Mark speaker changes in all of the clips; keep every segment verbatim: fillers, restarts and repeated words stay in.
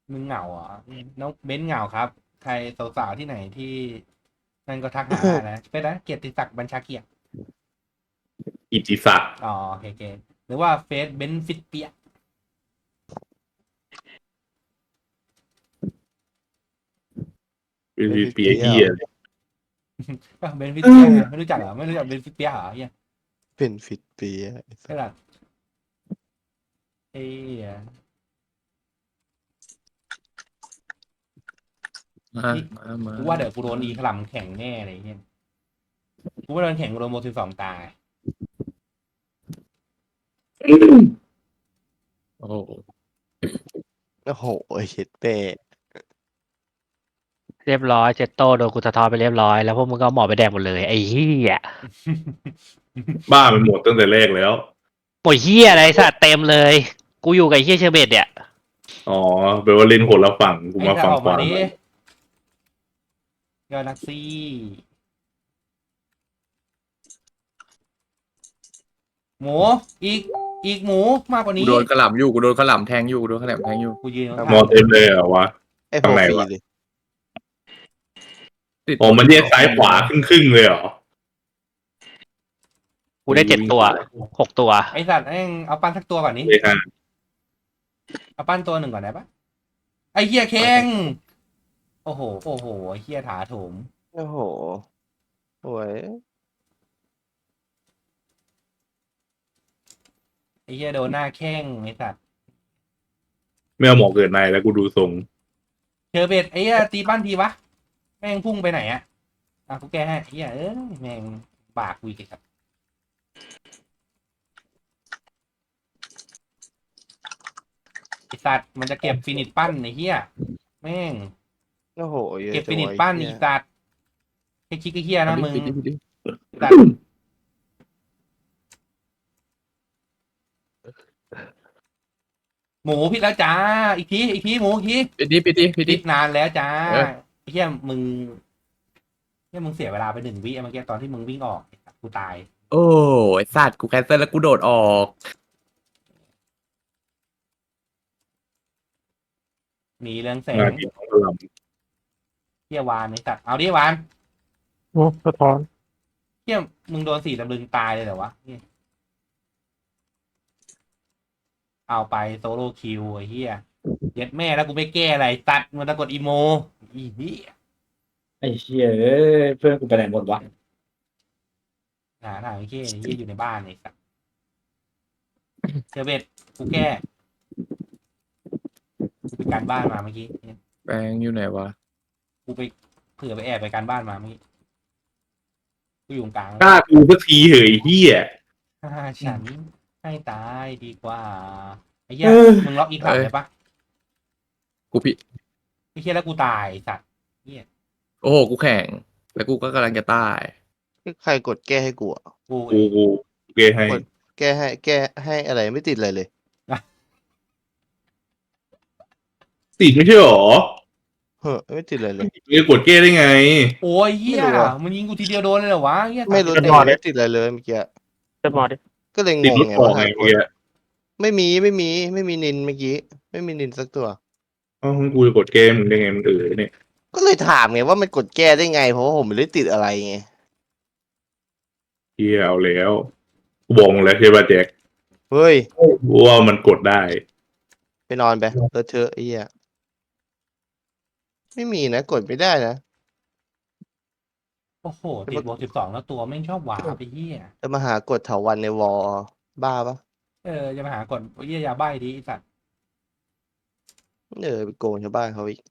Speaker 1: มึงเหงาเหรอน้องเบ้นเหงาครับใครสาวๆที่ไหนที่นั่นก็ทักหาได้นะเป็นนะเกียรติศักดิ์บัญชาเกียรติ
Speaker 2: อิทธิศักดิ์
Speaker 1: อ๋อโอเคโอเคหรือว่าเฟซเบนฟิตเปีย
Speaker 2: คือ
Speaker 3: เป็นฟิต
Speaker 2: เปีย
Speaker 3: เปียเหรอ
Speaker 2: เฮีย
Speaker 1: ก็เบนฟิตเปียไงไม่รู้จักเหรอไม่รู้จักเบนฟิตเปียเหรอเฮีย
Speaker 3: เป็นฟิตเปียไอ้สั
Speaker 1: ใช่
Speaker 3: ส
Speaker 1: หรอเอ้ย
Speaker 4: มา
Speaker 1: นี่
Speaker 4: มามา
Speaker 1: กูว่าเดี๋ยวกูโดนอีขลำแข่งแน่เลยเฮียกูว่าโดนแข่งกูโดนโมสิบสองตาย
Speaker 4: โอ้โห
Speaker 3: โอ้โหไอ้เช็ดเป้
Speaker 5: เรียบร้อยเจตโต้โดนกูสะท้อนไปเรียบร้อยแล้วพวกมึงก็เอาหมอไปแดกหมดเลยไอ้เหี้ย
Speaker 2: บ้าไปหมดตั้งแต่แรกแล้ว
Speaker 5: โอ้ยเหี้ยอะไรสัตว์เต็มเลย กูอยู่กับไอ้เหี้ยเชอร์เบตเนี่ย
Speaker 2: อ๋อแปลว่าเล่นคนละฝั่งกู
Speaker 1: ไอ้
Speaker 2: มา
Speaker 1: ถ้า
Speaker 2: ฝั่ง
Speaker 1: ออก
Speaker 2: ข
Speaker 1: มาว
Speaker 2: า
Speaker 1: ดิยอดนักซี่หมูอีกอีกหมูมากกว่า
Speaker 4: กู
Speaker 1: นี้
Speaker 4: โดนขลำอยู่กูโดนขลำแทงอยู่กูโดนขลำแทงอยู่
Speaker 1: กูยืน
Speaker 2: ม
Speaker 1: ข้า
Speaker 2: อง เต็มเลยเหรอวะ
Speaker 3: ไอ้โพ
Speaker 2: ข้างใน
Speaker 3: ฟรี
Speaker 2: วะ
Speaker 3: เลย
Speaker 4: ติด
Speaker 2: อ๋อมันแยกซ้ายขวาครึ่งครึ่งๆเลยเหรอ
Speaker 5: กูได้เจ็ดตัวหกตัว
Speaker 1: ไอสัตว์เอ้งเอาปั้นสักตัวก่อนนี้
Speaker 2: เลยค่ะ
Speaker 1: เอาปั้นตัวหนึ่งก่อนได้ปะไอเฮียเค้งโอ้โหโอ้โหไอเฮียถาโถม
Speaker 3: โอ้โหโอ้ย
Speaker 1: ไอเฮียโดนหน้าแข้งไอสัตว์
Speaker 2: ไม่เอาหมอเกิดในแล้วกูดูทรง
Speaker 1: เชอร์เบตไอเฮียตีปั้นทีวะแม่งพุ่งไปไหนอะอ่ะกูแก้ให้ไอเฮียเอ้ยแม่งปากกูอีกไอ้สัตว์ไอสัตว์มันจะเก็บฟินิชปั้นไอเฮียแม่ง
Speaker 3: โอ้โหเยอะ
Speaker 1: เก็บ
Speaker 3: จั
Speaker 1: ฟิ
Speaker 3: ง
Speaker 1: นิช
Speaker 3: วะ
Speaker 1: ปั้น
Speaker 3: ไอ้
Speaker 1: อี
Speaker 3: เหี้ย
Speaker 1: สัตว์ไอคิกไอเฮียนะมึง
Speaker 4: ปิดดิปิดดิ
Speaker 1: สัตว์หมูผิดแล้วจ้าอีกทีอีกทีหมูอีกที
Speaker 4: ปิดดิปิดดิปิด
Speaker 1: ผิ
Speaker 4: ดิ
Speaker 1: ดนานแล้วจ้า
Speaker 4: เออ
Speaker 1: ไอ้เหี้ยมึงเหี้ยมึงเสียเวลาไปหนึ่งวิเมื่อกี้ตอนที่มึงวิ่งออกกูตาย
Speaker 4: โอ้ไอ้สัตว์กูแคนเซิลแล้วกูโดดออก
Speaker 1: หนีเรืองแส
Speaker 2: งาง นกินของล
Speaker 1: เหี้ยวานไอ้สัตว์เอาดิวาน
Speaker 6: โอ้สะท้อน
Speaker 1: เหี้ยมึงโดนสี่ตำลึงตายเลยเหรอวะเหี้ยเอาไปโซโล่คิวไอ้เหี้ยเย็ดแม่แล้วกูไม่แก้อะไรตัดมันตะกดอีโมอีเหี้ย
Speaker 6: ไอ้เชี่ยเอ้ยเพื่อนกูไปไหนหมดวะ
Speaker 1: หาทางไอ้เหี้ยไอ้เหี้ยอยู่ในบ้านไอ้สัตว์เจอเบ็ดกูแก้กูไปการบ้านมาเมื่อกี้
Speaker 4: แปลงอยู่ไหนวะ
Speaker 1: กูไปเผื่อไปแอบไปการบ้านมาเมื่อกี้กูอยู่ตรงกลาง
Speaker 2: ำกล้ากูสักทีเหยเฮีย
Speaker 1: ถ้าฉันให้ตายดีกว่าไอ้เหี้ยมึงล็อกอีกหลังได้ปะ
Speaker 4: กูผิด
Speaker 1: ไอ้เหี้ยแล้วกูตายไอ้สัตว์เหี้ย
Speaker 4: โอ้โหกูแข่งแล้วกูก็กำลังจะตาย
Speaker 3: ใครกดแก้ให้กูอะ
Speaker 1: กู
Speaker 2: กูกูเกให้
Speaker 3: แก้ให้แก้ให้อะไรไม่ติดเลยเลย
Speaker 2: ติดไม่ใช่หรอ
Speaker 3: เฮ้อไม่ติดเลยเลย
Speaker 2: มึงจะกดเก้ได้ไง
Speaker 1: โอ้ยเหี้ย
Speaker 3: ไม่รู้อะ
Speaker 1: มันยิงกูทีเดียวโดนเลยเหรอวะเหี้ย
Speaker 3: ไม่รู้
Speaker 1: ตัด
Speaker 3: ติด
Speaker 1: ก่อน
Speaker 3: ไม่ติดอะไรเลยเมื่อกี้
Speaker 6: จะมาดิ
Speaker 3: ก็เลยง
Speaker 2: ติด
Speaker 3: ง
Speaker 2: รถ
Speaker 3: ไง
Speaker 2: ออก
Speaker 3: ว่า
Speaker 2: ไง
Speaker 3: หาก
Speaker 2: เมื่อ
Speaker 3: ด
Speaker 2: กี้
Speaker 3: ไม่มีไม่มีไม่มีนินเมื่อกี้ไม่มีนินสักตัว
Speaker 2: อ๋อกูจะกดเกมมึงได้ไงมันเออเนี่ย
Speaker 3: ก็เลยถามไงว่ามันกดแก้ได้ไง เพราะว่าผมไม่ได้ติดอะไรไง
Speaker 2: เฮียเอาแล้วกูบอกมึงแล้วใช่ป่ะแจ็ค
Speaker 3: เฮ้ย
Speaker 2: ว่ามันกดได้
Speaker 3: ไปนอนไปเลอะเทอะไอ้เหี้ยไม่มีนะกดไม่ได้นะ
Speaker 1: โอ้โหติดบวกสิบสองแล้วตัวไม่งชอบหวาไปเหี้ย
Speaker 3: จะมาหากดเถาวันในวอลบ้าปะ
Speaker 1: เออจะมาหากดเหี้ยยาใบ้ดีไอ้สัตว์
Speaker 3: เออไปโกงชาวบ้านเขาอีก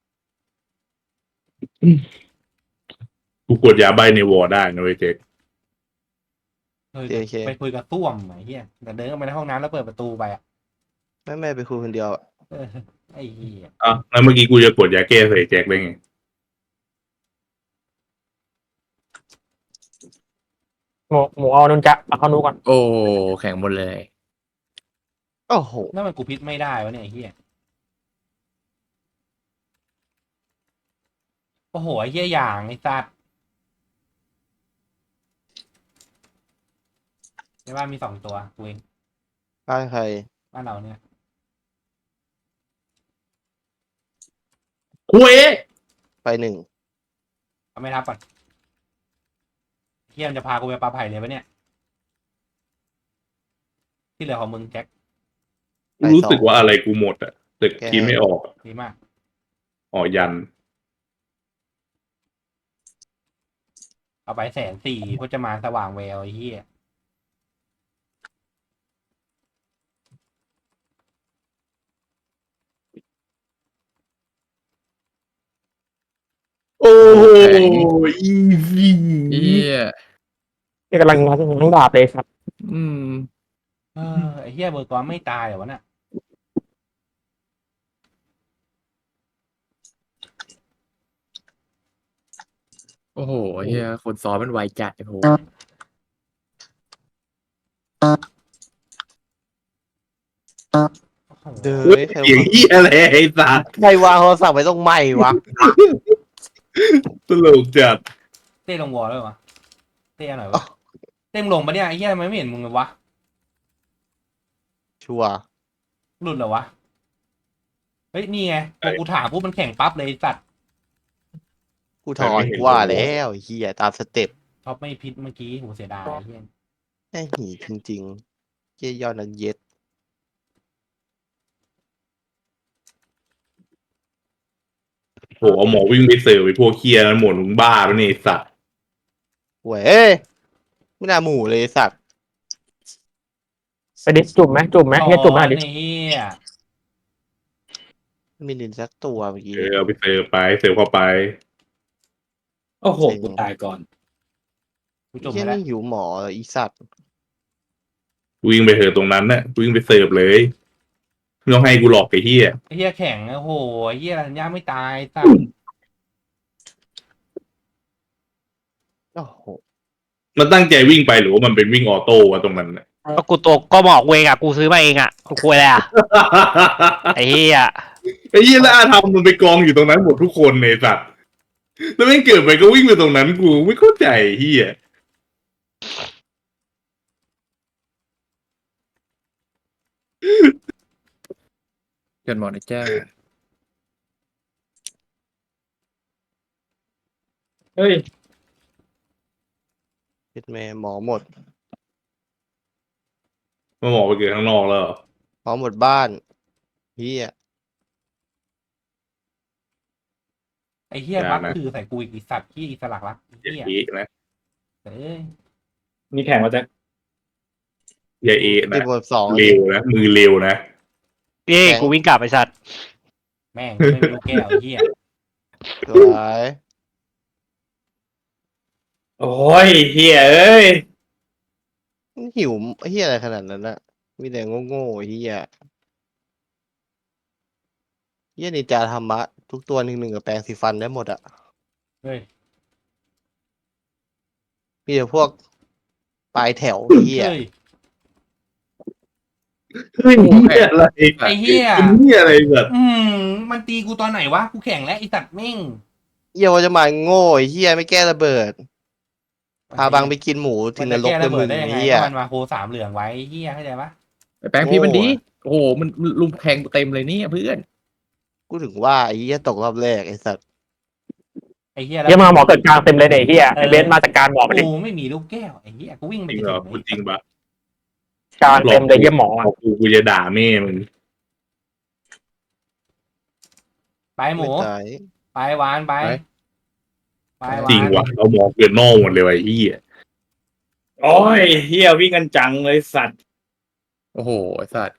Speaker 2: กูกดยาใบในวอร์ได้นะเว้ยแจ็ค
Speaker 1: เออไปคุยกับต้วมไอ้เหี้ยแต่เดินเข้าไปในห้องน้ำแล้วเปิดประตูไปอ่ะ
Speaker 3: ไม่ไม่ไปคุยคนเดียวอะ
Speaker 1: เออไอ้เหี้ย
Speaker 2: อ่ะแล้วเมื่อกี้กูจะกดยาแก้ใส่แจ็คได้ไง
Speaker 6: หมูหมูเอานุนจะเอาเข้านูก่อน
Speaker 4: โอ้แข่งหมดเลย
Speaker 3: โอ้โห
Speaker 1: นั่นมันกูพิษไม่ได้วะเนี่ยไอ้เหี้ยโอ้โหไอ้เหี้ยอย่างไอ้สัตว์ในบ้านมีสองตัวกูเอง
Speaker 3: บ้านใคร
Speaker 1: บ้านเราเนี่ย
Speaker 2: คุย
Speaker 3: ไปหนึ่ง
Speaker 1: เอาไม่ทับก่อนเฮียมนจะพากูไปปลาไผ่เลยปะเนี่ย ที่เหลือของมึงแจ็ค
Speaker 2: รู้สึกว่าอะไรกูหมดอ่ะแต่คิดไม่ออก
Speaker 1: ดีมาก
Speaker 2: อ๋อยัน
Speaker 1: เอาไปแสนสี่พจมานสว่างแววไอ้เหี้ย
Speaker 2: โอ้โหอีซี่
Speaker 4: เหี้ย
Speaker 6: นี่กำลังง้างง้างดาบเลยครับ
Speaker 4: อืม
Speaker 1: เออไอ้เหี้ยเบอร์กอนไม่ตายเหรอวะน่ะ
Speaker 4: โอ้โหเฮียคนซ้อมมันไวจัดไอ้โห
Speaker 3: เด้อ
Speaker 2: เฮ้ย
Speaker 3: ใคร
Speaker 2: เสียงอี้อะไรไอ้สัส
Speaker 3: ใครวางโทรศัพท์ไว้ตรงไม่วะ
Speaker 2: ตลกจัด
Speaker 1: เต้ลงวอลแล้ววะเต้หน่อยวะเต้มงลงปะเนี่ยไอ้เหี้ยทำไมไม่เห็นมึงเลยวะ
Speaker 3: ชัวร์
Speaker 1: หลุดเหรอวะเฮ้ยนี่ไงพอกูถามปุ๊บมันแข่งปั๊บเลยไอ้สัตว์
Speaker 3: กูถอนกูว่าแล้วไอ้เฮียตามสเต็ป
Speaker 1: ท็อปไม่พิษเมื่อกี้โหเสียดายไอ้เหี้ย
Speaker 3: แม่งหีจริงๆเยี่ยยอดนักเย็ด
Speaker 2: โหเอาหมอวิ่งไปเสิร์ฟไปพวกเคียนั้นหมดมึงบ้าปะเนี่ยไอ้สัส
Speaker 3: เว้ยไม่น่าหมู่เลยไอ้สัตว์
Speaker 6: ไปดิจุ่มไหมจุ่มไหมเฮียจุ่มไหมดิ
Speaker 1: ไอ้เหี้ย
Speaker 3: ไม่มีนินสักตัวเมื่อกี้
Speaker 2: เออเอาไปเสิร์ฟไปเสิร์ฟเข้าไป
Speaker 7: โอ้โหกูตายก่อน
Speaker 1: กูจม
Speaker 3: เฮี
Speaker 1: ไป
Speaker 3: ย
Speaker 1: แล้ว
Speaker 3: นี่หิวหมอเหรออีสัตว์
Speaker 2: วิ่งไปเถอะตรงนั้นน่ะวิ่งไปเสิร์ฟเลยไม่ต้องให้กูหลอกไอ้เหี้ย
Speaker 1: ไอ้เหี้ยแข่งโอ้โหไอ้เหี้ยรัญญาไม่ตายสัตว์
Speaker 3: โอ้โห
Speaker 2: มันตั้งใจวิ่งไปหรือว่ามันเป็นวิ่งออโต้วะตรงนั้นน่ะ
Speaker 5: ก็กูตัวก็บอกเวงอ่ะกูซื้อมาเองอ่ะกูคุยอะไรอ่ะไอ้เหี้ย
Speaker 2: ไอ้เหี้ยแล้วอาทำมันไปกองอยู่ตรงนั้นหมดทุกคนในสัตว์แล้วไม่งเกิดไปก็วิ่งไปตรงนั้นกูไม่เข้าใจไอ้เหี้ย
Speaker 4: เกินหมอนะจ้า
Speaker 6: เฮ้ย
Speaker 3: เฮ็ดแม่หมอหมด
Speaker 2: มาหมอไปเกิดข้างนอกแล้วเหรอ
Speaker 3: หมอหมดบ้านเฮีย
Speaker 1: ไอ้เหี้ยบักคือใส่กูอีกไอ้สัตว์ที่อิสลักรักไอ้
Speaker 2: อย่า
Speaker 1: เหี้ย
Speaker 2: เอะนะ
Speaker 1: เอ้ย
Speaker 6: มีแข่งมาแจ็ค
Speaker 2: อย่าเอะ
Speaker 3: ติ
Speaker 2: นะ
Speaker 3: ดหมดสอง
Speaker 2: เร็วนะมือเร็วนะ
Speaker 5: พี่กูวิ่งกลับไปสัตว์
Speaker 1: แม่งไม่มีลูกแก้วไอ้เหี้ย
Speaker 3: สวย
Speaker 7: โอ้ยเฮียเอ้ย
Speaker 3: หิวเฮียอะไรขนาดนั้นน่ะมีแต่โง่ๆเฮียเฮียนินจาธรรมะ ทุกตัวหนึ่งหนึ่งกับแปรงสีฟันได้หมดอ่ะ
Speaker 1: เฮ้ย
Speaker 3: มีแต่พวกปลายแถวเฮีย
Speaker 1: เฮ้ย
Speaker 2: เฮ้ยเหี้ยอะไร
Speaker 1: ไอ้เหี้ย
Speaker 2: เป็นเหี้ยอะไรแบบ
Speaker 1: อืมมันตีกูตอนไหนวะกูแข่งแล้วไอ้สัตว์แม่ง
Speaker 3: เฮียว่าจะมาโง่ไอ้เฮียไม่แก้ระเบิด พาบังไปกินหมูถึงนรก
Speaker 1: มั
Speaker 3: เล
Speaker 1: จะ
Speaker 3: ย
Speaker 1: แก้ระ
Speaker 3: มึ
Speaker 1: เบิด
Speaker 3: ง
Speaker 1: ได้ยังไง
Speaker 3: เฮีย
Speaker 1: ก็มันมาโคสามเหลืองไว้ไอ้เหี้ยเข้าใจปะ
Speaker 4: ไปแปลงพี่มันดี
Speaker 3: โง่อะ
Speaker 4: โอ้โหมันมันลุมแทงเต็มเลยเนี่ยเพื่อน
Speaker 3: กูถึงว่าไอ้เฮียตกรอบแรกไอ้สัตว์
Speaker 1: ไอ้เหี้ย
Speaker 6: เฮียมาหมอเกิดกลางเต็มเลยเนี่ยเฮียไอเบนซ์มาจากการหมอไปดิ
Speaker 1: กูไม่มีลูกแก้วไอ้เหี้ยกูวิ่งไป
Speaker 2: จริง
Speaker 1: จะ
Speaker 2: เหรอ
Speaker 1: ถึง
Speaker 2: พูดจริงปะ
Speaker 6: กลางเต็มเลยเฮียหมออะ
Speaker 2: บอกกูกูจะด่าแม่มึง
Speaker 1: ไปหมู
Speaker 3: ไม่ตาย
Speaker 1: ไปหวานไปไปหวาน
Speaker 2: จริงว่ะเรามองเกินนอกหมดเลยว่ะไอ้เหี้ย
Speaker 7: โอ้ยเฮียวิ่งกันจังเลยสัตว์
Speaker 4: โอ้โหไอ้สัตว์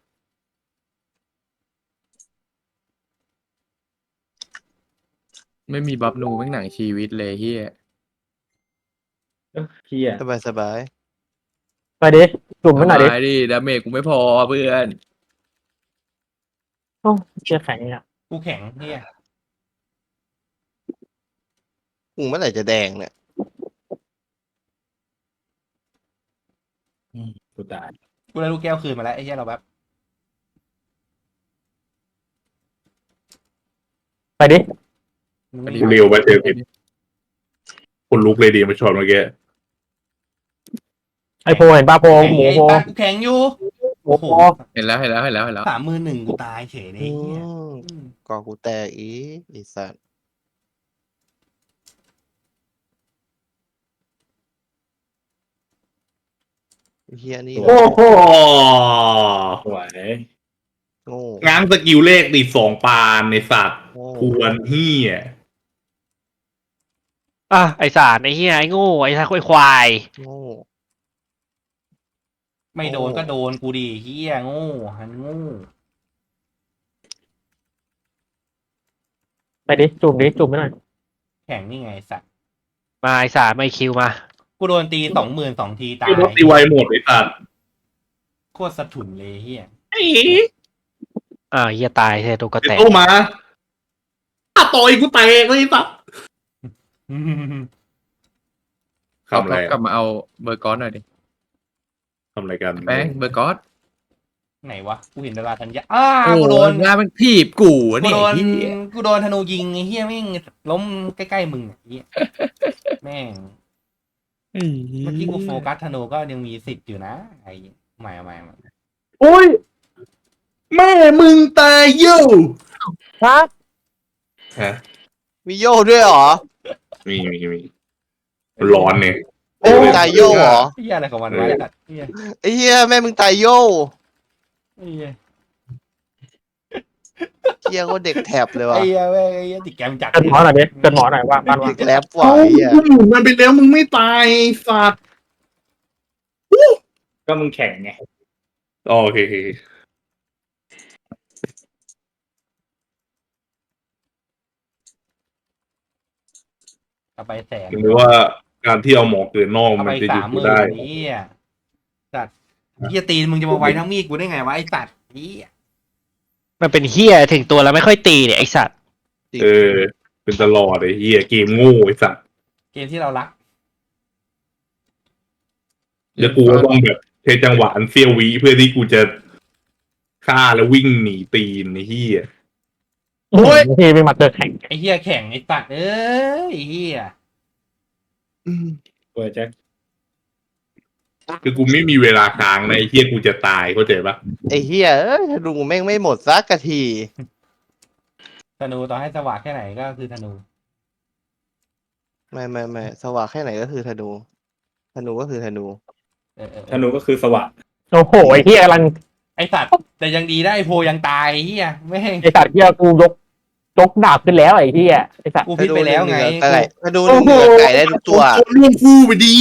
Speaker 4: ไม่มีบัฟนูแม่งหนังชีวิตเลยเฮีย
Speaker 6: เฮีย
Speaker 3: สบายสบาย
Speaker 6: ไปดิจุ่มให้หน่อยดิ
Speaker 4: ตายดิดาเมจกูไม่พอเพื่อน
Speaker 6: โอ้เฮียแข็งเนี่ย
Speaker 1: กูแข็งเหี้ย
Speaker 3: กูเมื่อไหร่จะแดงเนี่ย
Speaker 7: กูตาย
Speaker 1: กูได้ลูกแก้วคืนมาแล้วไอ้เหี้ยเราแบบ
Speaker 6: ไปดิ
Speaker 1: มึงไม่
Speaker 2: เร็วไปเจอผิดคนลุกเลยดีมาชอนเมื่อกี้
Speaker 6: ไอโพเห็นป่ะโพหมู
Speaker 1: ไอ้
Speaker 6: โพ
Speaker 1: ปากกูแข็งอยู่โอ้โห
Speaker 4: เห็นแล้วเห็นแล้วเห็นแล้วเห็นแล้ว
Speaker 1: สามมือหนึ่งกูตายเฉยเลย
Speaker 3: อื
Speaker 1: ไอ้เหี้ย
Speaker 3: ม
Speaker 1: อืม
Speaker 3: กอกูแตกอีไอ้สัตว์ไอ้เฮียนี่
Speaker 2: โอ้โห
Speaker 7: สวย
Speaker 3: โง่
Speaker 2: ง้างสกิลเลขดิสองปานในสัตว์
Speaker 3: โง่
Speaker 2: ทวนเฮีย
Speaker 5: อ่ะไอสารไอเฮียไอโง่ไอทาไอควาย
Speaker 3: โง่
Speaker 1: ไม่โดนก็โดนกูดีเฮียโง่หันโง่
Speaker 6: ไปดิจุ่มดิจุ่มไม่หน่อย
Speaker 1: แข่งนี่ไงสัตว์
Speaker 5: มาไอสารไม่คิวมา
Speaker 1: กูโดนตีสองหมื่นสองทีตาย
Speaker 2: ที่รถตีไวหมดไอ้สัตว์
Speaker 1: โคตรสะทุนเลยเฮีย
Speaker 5: อ่าเฮียตายเฮียตัวกระ
Speaker 2: เดี๋ย
Speaker 5: แต
Speaker 2: ว
Speaker 5: ก
Speaker 2: โตมาอ่ะต่อยกูแตกเลยไอ้สัตว์
Speaker 4: เขา
Speaker 2: ทำอะไร
Speaker 4: กลั
Speaker 2: อะ
Speaker 4: บมาเอาเบอร์กอสหน่อยดิ
Speaker 2: ทำอะไรกัน
Speaker 4: แป้งเบอร์กอส
Speaker 1: ไหนวะกูเห็นดาราธัญญาอ้า
Speaker 4: โอ้
Speaker 1: กู
Speaker 4: โห
Speaker 1: โดน
Speaker 4: งานมันถีบกูอะ
Speaker 1: กู
Speaker 4: เนี่ย
Speaker 1: โดน
Speaker 4: ไอ้เหี้ย
Speaker 1: กูโดนธนูยิงไอ้เฮียแม่งล้มใกล้ๆมึงไอ้เฮียแม่งเมื่อกี้กูโฟกัสธนูก็ยังมีสิทธิ์อยู่นะไอ้ใหม่ใหม่ใหม่
Speaker 6: อุ้ย
Speaker 2: แม่มึงตายเย่อ
Speaker 6: ฮะ
Speaker 2: ฮะ
Speaker 3: มีโย่ด้วยเหรอ
Speaker 2: มีมีมีร้อนเนี่ย
Speaker 3: แม่มึงตายโย่เหรอ
Speaker 1: เฮียอะไรของมันวะไอ้สัตว์เฮีย
Speaker 3: ไอ้เฮียแม่มึงตายโย่
Speaker 1: ไอ้เฮีย
Speaker 3: เฮียก็เด็กแถบเลยว่ะ
Speaker 1: ไอ้เฮียแม่งไอ้เฮียติดแกมจัด
Speaker 6: เกินหมอหน่อยดิเกินหมอหน่อยว่าบ้านว่า
Speaker 3: เด็กแรปว่ะ
Speaker 2: เอ้า
Speaker 3: ไอ้เฮีย
Speaker 2: กูหมุนมันไปแล้วมึงไม่ตายไอ้สัตว์
Speaker 7: ก็มึงแข่งไง
Speaker 2: อ๋อโอเคโอเค
Speaker 1: เอาไปแสน
Speaker 2: ถึงว่าการที่เอาหมอเกินนอก
Speaker 1: เอา
Speaker 2: มั
Speaker 1: ไป
Speaker 2: นจะหยุ
Speaker 1: สา
Speaker 2: ด
Speaker 1: มห
Speaker 2: กู
Speaker 1: มื่น
Speaker 2: ได้
Speaker 1: ไอ้เฮียสัตว์เฮียตีนมึงจะมาไว้ทั้งมีดกูได้ไงวะไอ้สัตว์เฮีย
Speaker 5: มันเป็นเฮียถึงตัวแล้วไม่ค่อยตีเนี่ยไอสัตว์
Speaker 2: เออ เป็นตลอดไอ้เหี้ยเกมโง่ไอ้สัตว์
Speaker 1: เกมที่เรารัก
Speaker 2: แล้วกูก็ต้องแบบเทจังหวะอันเซียววิเพื่อที่กูจะฆ่าแล้ววิ่งหนีตีนไอ้เหี้ย
Speaker 6: โอ้ยทีไม่มาเจอแข่ง
Speaker 1: ไอ้เฮียแข่งไอ้สัตว์เอ้ยไอ้เฮีย
Speaker 7: เปิดแจ็ค
Speaker 2: คือกูไม่มีเวลาค้างนะไอ้เหี้ยกูจะตายเข้าใจปะ
Speaker 3: ไอ้เฮียเอ้ยธนูแม่งไม่หมดสักกะที
Speaker 1: ธนูต่อให้สว่างแค่ไหนก็คือธนู
Speaker 3: ไม่ไม่ไม่สว่างแค่ไหนก็คือธนูธนูก็คือธนู
Speaker 1: เออเออเอ
Speaker 7: ธ
Speaker 1: อ
Speaker 7: นูก็คือสว่าง
Speaker 6: โอ้โหไอ้เฮียกำลัง
Speaker 1: ไอ้สัตว์แต่ยังดีได้ไอ้โพยังตายไอ้เฮียแม่ง
Speaker 6: ไอ้สัตว์เฮียกูยกยกดาบขึ้นแล้วไอ้เฮียไอ้สัตว์
Speaker 1: กูพิดไปแล้วไง
Speaker 3: ธนูหนึ่งเหนือไก่ธนูหนึ่งเหนือไก่ได้ทุกตัว
Speaker 2: โอ้โหล่วงคู่ไปดี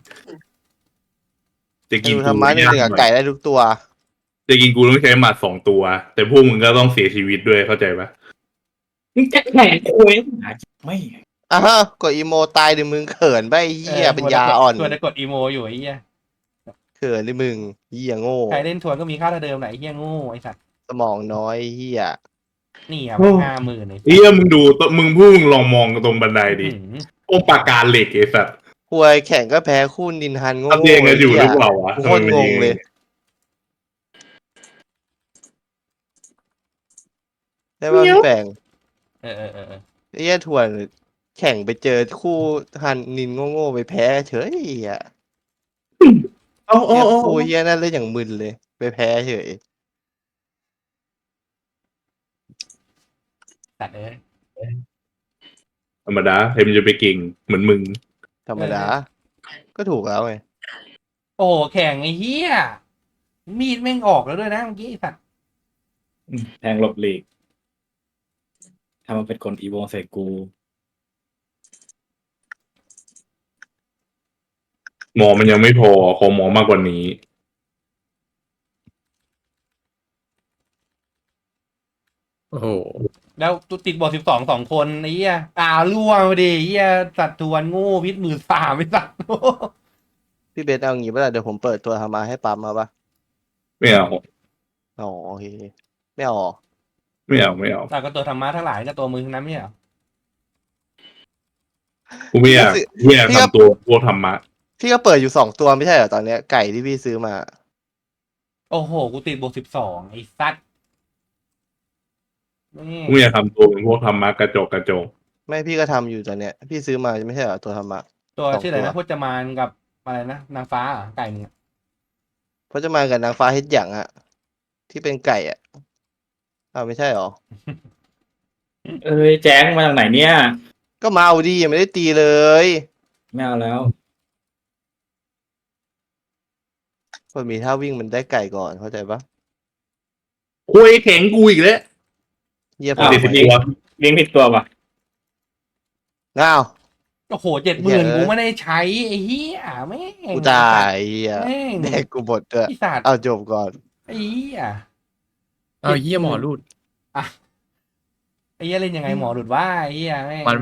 Speaker 2: จะ
Speaker 3: ธ
Speaker 2: กิน
Speaker 3: นู
Speaker 2: กู
Speaker 3: ธรรมะหนึ่งเหนือไก่ได้ทุกตัว
Speaker 2: จะกินกูต้องใช้หมัดสองตัว แต่พวกมึงก็ต้องเสียชีวิตด้วยเข้าใจปะ
Speaker 7: มึงจะแข่งคุยไม่
Speaker 3: อ่ะฮะกดอีโมตายดิมึงเขินไปไอ้เฮียเป็นยาอ่อน
Speaker 1: ทวนจะกดอีโมอยู่ไอ้เฮีย
Speaker 3: เขินดิมึงเฮียโง่
Speaker 1: ใครเล่นทวนก็มีค่าเท่าเดิมแหละไอ้เฮียโง่ไอ้สัตว์
Speaker 3: สมองน้อยเฮีย
Speaker 1: นี่อ่ะห้าหมื่นไอ้สัตว์
Speaker 2: เหี้ยมึงดูตัวมึงพูดมึงลองมองตรงบันไดดิ
Speaker 1: อื้อหือ
Speaker 2: พวกปากกาเหล็กไอ้สัตว์
Speaker 3: ควยแข่งก็แพ้คู่นินฮันโง่
Speaker 2: ทำเองกันอยู่หรือเปล่าวะ
Speaker 3: โคตรงงเลย ได้ป่ะพี่แปง
Speaker 1: เออเออเออเออ
Speaker 3: ไอ้เหี้ยทวนแข่งไปเจอคู่ฮันนินโง่ๆไปแพ้เฉยอ่ะ
Speaker 2: เอาเอา
Speaker 3: เหี้ย
Speaker 2: เอา
Speaker 3: คู่เหี้ยนั่นเลยอย่างมึนเลย ไปแพ้เฉย
Speaker 1: สัตว์เอ้ย
Speaker 2: ธรรมดาใครมันจะไปเก่งเหมือนมึง
Speaker 3: ธรรมดา ก็ถูกแล้วไง
Speaker 1: โอ้โหแข่งไอ้เฮียมีดแม่งออกแล้วด้วยนะเมื่อกี้ไอ้สัตว์
Speaker 7: แทงหลบหลีกถ้ามันเป็นคนอีโวใส่กู
Speaker 2: หมอมันยังไม่พอขอหมอมากกว่านี้
Speaker 4: โอ้โห
Speaker 1: แล้วติดบอสิบสองสองคนไอ้เหี้ยอ่าล่วงไปดิไอ้เหี้ยสัตว์ทวนโง่พิษมือสามไอ้สัตว์
Speaker 3: พี่เบสเอางี้ป่ะล่ะเดี๋ยวผมเปิดตัวธรรมะให้ปั๊มมาป่ะ
Speaker 2: ไม่เอา
Speaker 3: อ๋อโอเคไม่เอาหรอ
Speaker 2: ไม่เอาไม่เอา
Speaker 1: แต่ก็ตัวธรรมะทั้งหลายก็ตัวมือทั้งนั้นไม่ใช่เหรอ
Speaker 2: กูไม่อยากไม่อยากทำตัวพวกธรรมะ
Speaker 3: พี่ก็เปิดอยู่สองตัวไม่ใช่เหรอตอนเนี้ยไก่ที่พี่ซื้อมา
Speaker 1: โอ้โหกูติดบวกสิบสองไอ้สัตว์นี่
Speaker 2: กูไม่อยากทำตัวเป็นพวกธรรมะกระจกกระจก
Speaker 3: ไม่พี่ก็ทำอยู่ตอนเนี้ยพี่ซื้อมาไม่ใช่เหรอตัวธรรมะ
Speaker 1: ตัว
Speaker 3: สอง
Speaker 1: ชื่ออะไร
Speaker 3: ตัว
Speaker 1: นะพจมานกับอะไรนะนางฟ้าเหรอไก่มึงอะ
Speaker 3: พจมานกับนางฟ้าเฮ็ดหยังอะที่เป็นไก่อะอ้าวไม่ใช่หรอ
Speaker 7: เอ้ยแจ้งมาจากไหนเนี่ย
Speaker 3: ก็มาเอาดียังไม่ได้ตีเลย
Speaker 7: ไม่เอาแล้ว
Speaker 3: มันมีท่าวิ่งมันได้ไก่ก่อนเข้าใจปะ
Speaker 2: คุยแข็งกูอีกแล้ว
Speaker 3: เยี่ยม
Speaker 7: อ้าว
Speaker 3: ไป
Speaker 2: เดี๋ยวสิบตัว
Speaker 7: เลี้ยงผิดตัวปะ
Speaker 3: ง้าว
Speaker 1: โอ้โหเจ็ดหมื่นกูไม่ได้ใช้ไอ้เหี้ยแม่ง
Speaker 3: กูตายเหี้ย
Speaker 1: แม่ง
Speaker 3: แดกกูหมดด้วย
Speaker 1: ไอ้สัตว์
Speaker 3: เอาจบก่อน
Speaker 1: ไอ้เหี้ย
Speaker 4: เอาเหี้ยหมอรูด
Speaker 1: ไอ้เหี้ยเล่นยังไงหมอหลุดว่าไอ้เหี้ยแม่ง
Speaker 4: มัน